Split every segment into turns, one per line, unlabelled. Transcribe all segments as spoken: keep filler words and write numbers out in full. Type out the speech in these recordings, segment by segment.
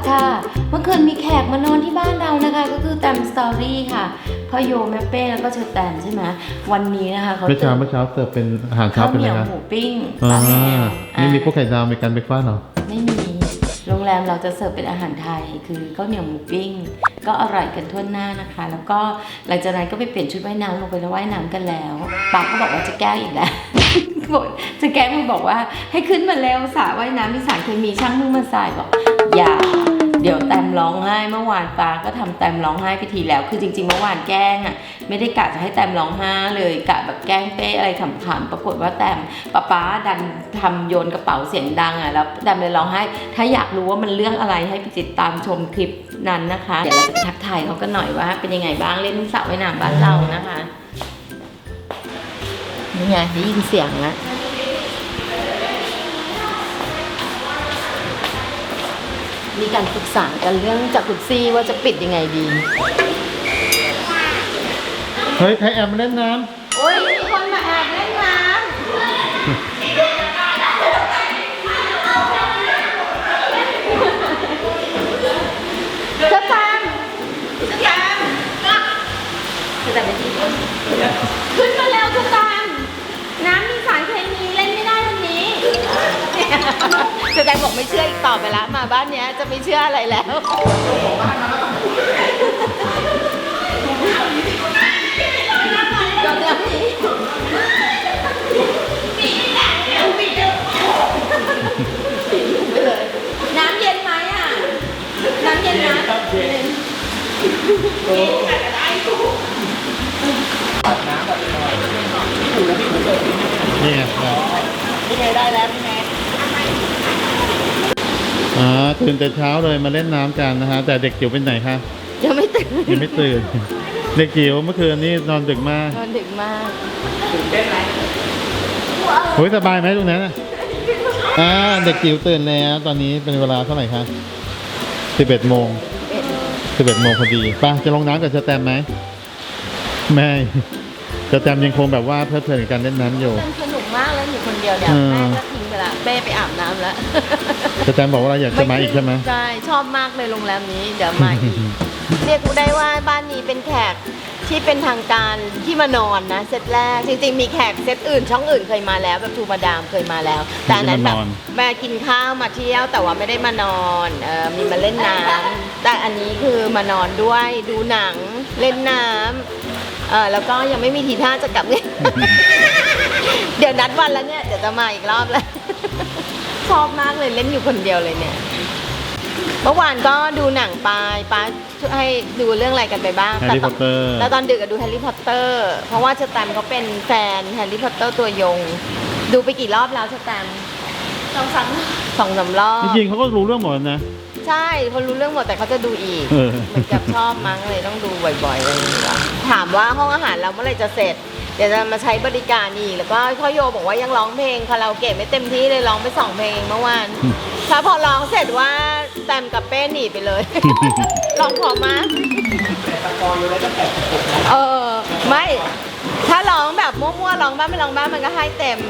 ค่ะเมื่อคืนมีแขกมานอนที่บ้านเรานะคะก็คือแตมสตอรี่ค่ะพ่อโยแม่เป้แล้วก็เชอแตมใช่ไหมวันนี้นะคะเขา
เมื่อเช้าเมื่อเช้าเสิร์ฟเป็นอาหารเช้า
ข้าว
เป็น
เห
อะไร
นียว
ครับ
หมูปิ้ง
อ่า
ปลาแมว
ไม่มีพวกไข่ดาวมีการเบรกฟาสต์เหรอ
ไม่มีโรงแรมเราจะเสิร์ฟเป็นอาหารไทยคือข้าวเหนียวหมูปิ้งก็อร่อยกันทั่วหน้านะคะ แล้วก็หลังจากนั้นก็ไปเปลี่ยนชุดว่ายน้ำลงไปแล้วว่ายน้ำกันแล้วป๊าก็บอกว่าจะแกล้งอีกแล้ว บอกจะแกล้งมันบอกว่าให้ขึ้นมาเร็วสระว่ายน้ำมีสารเคมีช่างมึงมาใส่บอกอย่าเดี๋ยวแตมร้องไห้เมื่อวานปาก็ทำแตมร้องไห้ไปทีแล้วคือจริงๆเมื่อวานแกล้งอ่ะไม่ได้กะจะให้แตมร้องไห้เลยกะแบบแกล้งเป้อะไรขำๆปรากฏว่าแตมป๊าป๊าดันทำโยนกระเป๋าเสียงดังอ่ะแล้วแตมเลยร้องไห้ถ้าอยากรู้ว่ามันเรื่องอะไรให้ไปติดตามชมคลิปนั้นนะคะเดี๋ยวเราจะไปทักทายเขากันหน่อยว่าเป็นยังไงบ้างเล่นสระว่ายน้ำบ้านเรานะคะนี่ไงได้ยินเสียงแล้วมีการปรึกษากันเรื่องจักรุซี่ว่าจะปิดยังไงดี
เฮ้ยใครแอบมาเล่นน้
โอ้ยมีคนมาแอบเล่นน้ำจะตามจะตามจะตามไปที่ขึ้นมาแล้วจะตามน้ำมีสารเคมีเล่นไม่ได้วันนี้จะแต่บอกไม่เชื่ออีกต่อไปละมาบ้านเนี้ยจะไม่เชื่ออะไรแล้วน้ำเย็นไหมอ่ะน้ำเย็นนะเย็น
ำนี่ไง
นี่ไงได้แล้วนี่ไง
อ่าตื่นแต่เช้าเลยมาเล่นน้ำกันนะฮะแต่เด็กจิ๋วเป็นไหนคะ
ยังไม่ตื่น
ยังไม่ตื่น เด็กจิ๋วเมื่อคืนนี้นอนดึกมาก
นอนดึกมาก
โอ้ยสบายไหมตรงนั้นอ่ะอ่าเด็กจิ๋วตื่นแล้วตอนนี้เป็นเวลาเท่าไหร่คะสิบเอ็ดโมงสิบเอ็ดโมงพอดีไป่ะจะลงน้ำกับสแตมไหมไม่สแตมยังคงแบบว่าเพลิดเพลินกับการเล่นน้ำอยู่
สนุกมากแล้วอยู่คนเดียวเนี่ยแม่ก็ทิ้งไปละเป้ไปอาบน้ำแล้ว
สแตมบอกว่าเราอยากจะมาอีกใช่ไหม
ใช่ชอบมากเลยโรงแรมนี้เดี๋ยวมาอีก เรียกได้ว่าบ้านนี้เป็นแขกที่เป็นทางการที่มานอนนะเซตแรกจริงๆมีแขกเซตอื่นช่องอื่นเคยมาแล้วแบบทูมาดามเคยมาแล้ว แต่อันนั้นแบบมากินข้าวมาเที่ยวแต่ว่าไม่ได้มานอนเออมีมาเล่นน้ำแต่อันนี้คือมานอนด้วยดูหนังเล่นน้ำเออแล้วก็ยังไม่มีทีท่าจะกลับเนี่ย เดี๋ยวนัดวันแล้วเนี่ยเดี๋ยวจะมาอีกรอบแล้ว ชอบมากเลยเล่นอยู่คนเดียวเลยเนี่ยเมื่อวานก็ดูหนังไปป้าให้ดูเรื่องอะไรกันไปบ้าง
แฮร์รี่พอตเตอร์
แล้วตอนดึกก็ดูแฮร์รี่พอตเตอร์เพราะว่าสแตมเขาเป็นแฟนแฮร์รี่พอตเตอร์ตัวยงดูไปกี่รอบแล้วสแตมสองสามสองสามรอบ
จริงๆเขาก็รู้เรื่องหมดนะ
ใช่เขารู้เรื่องหมดแต่เขาจะดูอีก
เออ
เหมือนกับชอบมั้งเลยต้องดูบ่อยๆอะไรอย่างเงี้ยถามว่าห้องอาหารเราเมื่อไหร่จะเสร็จเดี๋ยวจะมาใช้บริการอีกแล้วก็พ่อโยบอกว่ายังร้องเพลงคาราโอเกะไม่เต็มที่เลยร้องไปสองเพลงเมื่อวานถ้าพอร้องเสร็จว่าแตมกับเป้หนีไปเลย ร้องพอมากเออไม่ถ้าร้องแบบมั่วๆร้องบ้างไม่ร้องบ้างมันก็ให้เต็ม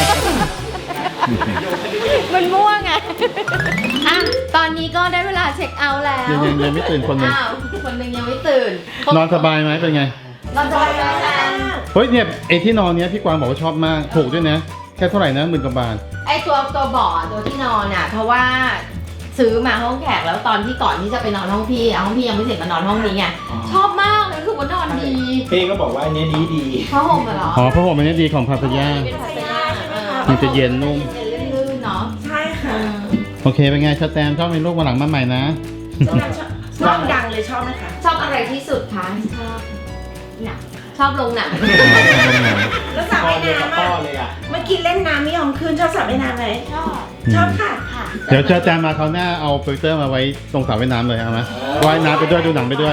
มันมั่วไงอ่ะตอนนี้ก็ได้เวลาเช็คเอาท์แล้ว
ยังยังยังไม่ตื่นคนหนึ่ง
อ้าวคนหนึ่งยังไม่ตื่น
นอนสบายไหมเป็นไง
นอนสบายมาก
เฮ้ยเนี่ยไอที่นอนเนี้ยพี่กวางบอกว่าชอบมากถูกด้วยนะแค่เท่าไหร่นะหมื่นกว่าบาท
ไอตัวตัวเบาะตัวที่นอนอ่ะเพราะว่าซื้อมาห้องแขกแล้วตอนที่ก่อนที่จะไปนอนห้องพี่ห้องพี่ยังไม่เสร็จมานอนห้องนี้ไงชอบมากเลยคือว่านอนดี
เป้ก็บอกว่าอันนี้ดีดี
ผ้าห่มอะเหรอ
อ๋อเพราะผมอันนี้ดีของพาพยา
เป็นพัสยาเออ
มันจะเย็นนุ่ม
เย็นลื่นๆเนาะ
ใช่ค่ะ
โอเคเป็นไงชาแตมชอบมีลูกมาหลังมาใหม่นะ
ชอบชอบดังเลยชอบไหมคะ
ชอบอะไรที่สุดคะชอบหนังชอบลงหนัง
แล้วสระ
พ่อ
ว่าย
เดียวกับ
น้ำ
พ่อ
อ่ะ
เลยอ่ะ
เมื่อกี้เล่นน้ำไม่ยอมขึ้นชอบสระว่ายน้ำไหม
ชอบ
ชอบค่ะ
ค่ะ
เดี๋ยวชาแตมมาคราวหน้าเอาโปรเจคเตอร์มาไว้ตรงสระว่ายน้ำเลยเอาไหมว่ายน้ำไปด้วยดูหนังไปด้วย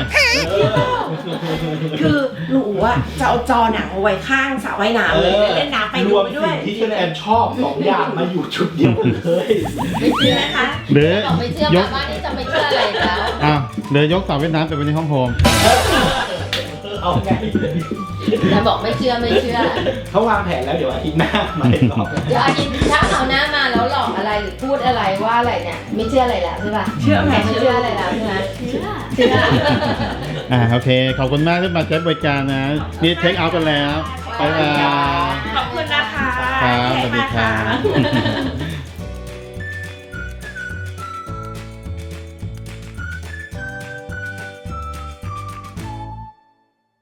คือหนูอ่ะจะเอาจอหนังเอาไว้ข้างสระว่ายน้ำเลยเล่นน้ำไป
ร
ดู
วม
ไปด้วย
สิ่งที่แอนชอบสองอย่างมาอยู่ชุดเดียวกันเลย
ไม่เชื่อนะคะ
หรือ
บอกไม่เชื่อย มาก บ้านนี้จะไม่เชื่ออะไรแล้ว
อ้าวเดี๋ยวยกสระว่ายน้ำไปไว้ในห้องโฮม
เอาไง
แต่บอกไม่เชื่อไม่เชื่อ
เขาวางแผนแล้วเดี๋ยวอาทิตย์หน้ามาอีกรอบ
เดี๋ยวอาทิตย์ถ้าเอาหน้ามาแล้วหลอกอะไรอะไรหรือพูดอะไรว่าอะไรเนี่ยไม่เชื่ออะไรแล้วใช่ป่ะ
เชื่อไหม
ไม่เชื่ออะไรแล้วใช่ไหมเชื่อเชื่อ
อ่าโอเค ขอบคุณมากที่มาใช้บริการนะ นี่เทคเอาท์กันแล้วบ๊ายบาย
ขอบคุณนะคะ
ครับสวัสดีครับ
เทคมาค่ะ